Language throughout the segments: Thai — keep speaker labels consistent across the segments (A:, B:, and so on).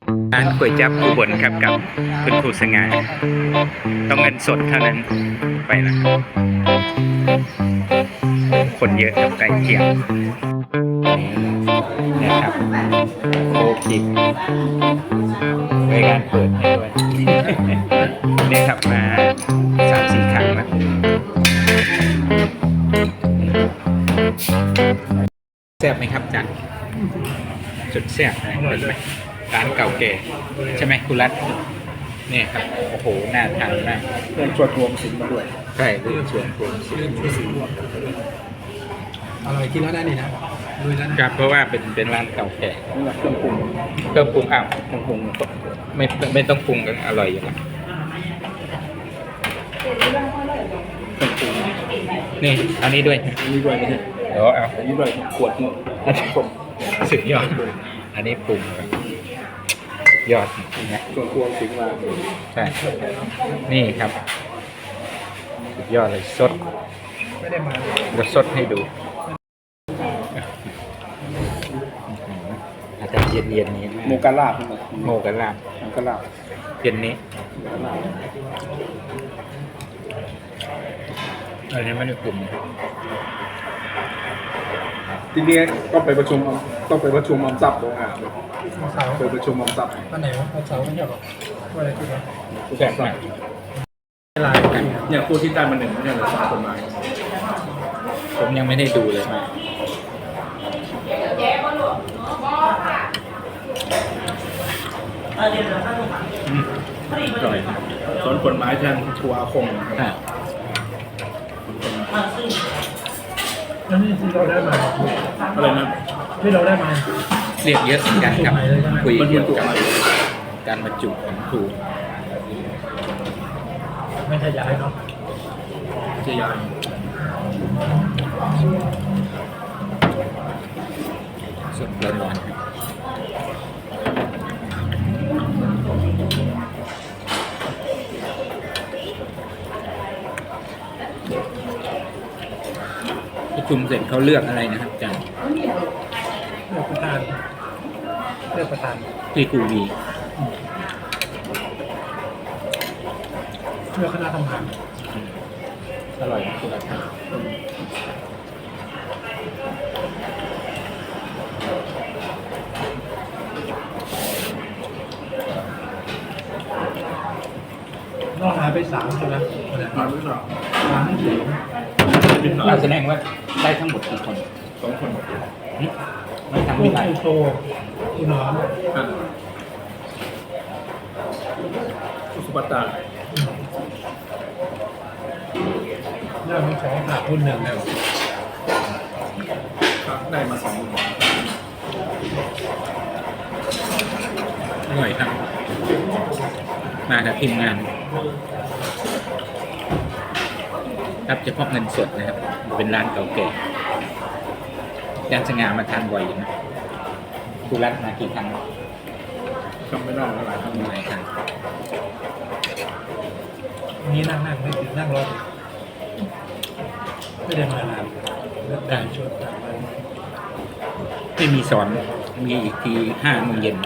A: ร้านก๋วยจั๊บอุบลครับกับคุณครูสง่าต้องเงินสดเท่านั้นไปนะครับคนเยอะครับใกล้เที่ยงเนี่ยครับโคกิกบริการเปิดให้ด้วยเนี่ยครับมา3-4 ครั้งแล้วแซ่บไหมครับจันสุดแซ่บนะเห็นไหมร้านเก่าแก่ใช่ไหมคุณรัตเนี่ยครับโอ้โหน่าทานมาก
B: เพื่อนชวนรวมสินมาด้วย
A: ใช่เพื่อนชวนรวมสิน
B: อร่อยกินแล้วได้นี่นะลุยแล้วนะครับ
A: เพราะว่าเป็นร้านเก่าแก่
B: นี่แหละเครื่องปรุง
A: อ้าวเครื่องปรุงไม่ต้องปรุงกันอร่อยอยู่แล้วเครื่องปรุงนี่อันนี้ด้วย
B: อันนี้ด้วยไม่ใช่
A: เดี๋ยวเอา
B: อันนี้ด้วยขวดนึงอันนี้ผม
A: สุดยอดอันนี้ปรุงยอดนะ
B: ส่วนรวมสินมา
A: ใช่นี่ครับสุดยอดเลยสด
B: ไม่ได้มา
A: จะสดให้ดูอาจารย์เย็นนี้
B: โมกาลาบ
A: โมกาลาบเย็นนี้อันนี้ไม่ได้ปรุง
B: ทีนี้ต้องไปประชุมอมทรัพย์โรงงานไปประชุมอมทรัพย์
C: วันไหนวะวันเสาร์ไม่ใช่หรอวันอะไรที่วะ
A: แซ่บมาก
B: เนี่ยคู่ที่ได้มา1ไม่ใช่หรือ3 คนมา
A: ผมยังไม่ได้ดูเลยมา
B: อร่อยสวนผลไม้แทนทัวคง
C: นั่นนี่ที่เราได้มา
B: อะไรนะ
C: ที่เราได้มา
A: เรียกเยอะเหมือนกันครับคุยเกี่ยวกับการบรรจุของครู
C: ไม่ขยายเนาะ
B: จะยาย
A: สดร้อนครับประชุมเสร็จเขาเลือกอะไรนะครับอาจารย์
C: เลือกประธาน
A: ที่ครูวี
C: เลือกคณะทำงาน
A: อร่อยนะคุณอาจารย์
C: นอกหายไป3ใช่ไหม
B: มาหรือเปล่า
A: เราแสดงว่าได้ทั้งหมดกี่คน
B: 2 คน
A: ไม่ทำไม่ได้
C: โตคุณน้อง
B: สุปัตตา
C: เรื่องที่2ขาดคน1แล้ว
B: ได้มา2
A: อร่อยครับมากับทีมงานรับเฉพาะเงินสดนะครับเป็นร้านเก่าแก่ย่านสง่ามาทานบ่อยอยู่นะคุณรัตมากี่ครั้ง
B: จำไม่ได้หลายครั้ง
C: นี่นั่งไม่ถึงนั่งรถไม่ได้มานานได้ชุด
A: ไม่มีสอนมีอีกที5 โมงเย็น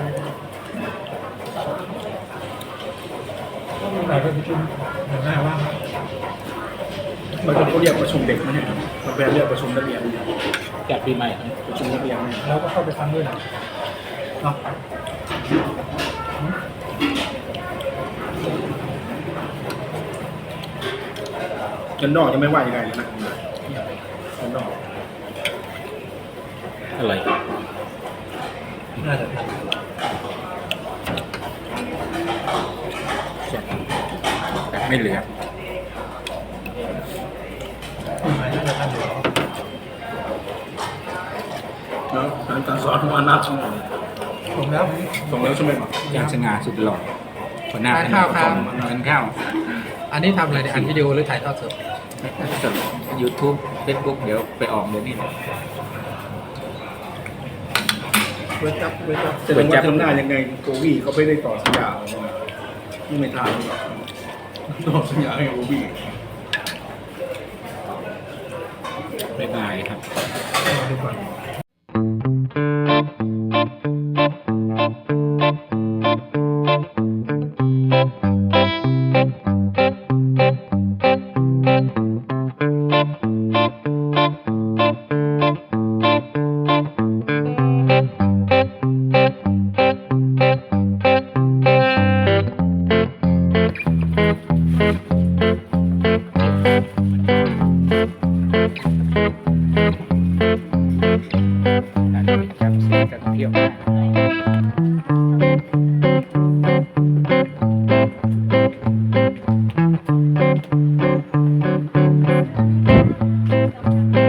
C: เราไปประชุมหน้าว่าง
B: มันจะเรียกประชุมเด็กนะเนี่ยมันเป็นเรียกประชุมนักเรียน
A: จากปีใหม่
B: ประชุมนักเรียน
C: เราก็เข้าไปฟังด้วยนะเนาะ
B: กันนอกยังไม่ว่ายังไงเลยนะกันนอก
A: อร่อย
C: น่าจะทัน
A: ไม่เหลือ
B: แล้วการสอนของอนัทช่วย
C: ส่งแล้ว
B: ใช่ไหม
A: ย่านสง่าสุดหล่อคนหน้าทานข้าว
C: อันนี้ทำอะไรอัดวิดีโอหรือถ่ายทอดสด
A: YouTube Facebook เดี๋ยวไปออกเดี๋ยวนี้
B: เวทับจะทำหน้ายังไงโกวี่เขาไม่ได้ต่อสัญญาที่ไม่ทานหรอกต่อสัญญาให้โกวี่
A: บ๊ายบายครับ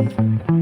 A: ครับ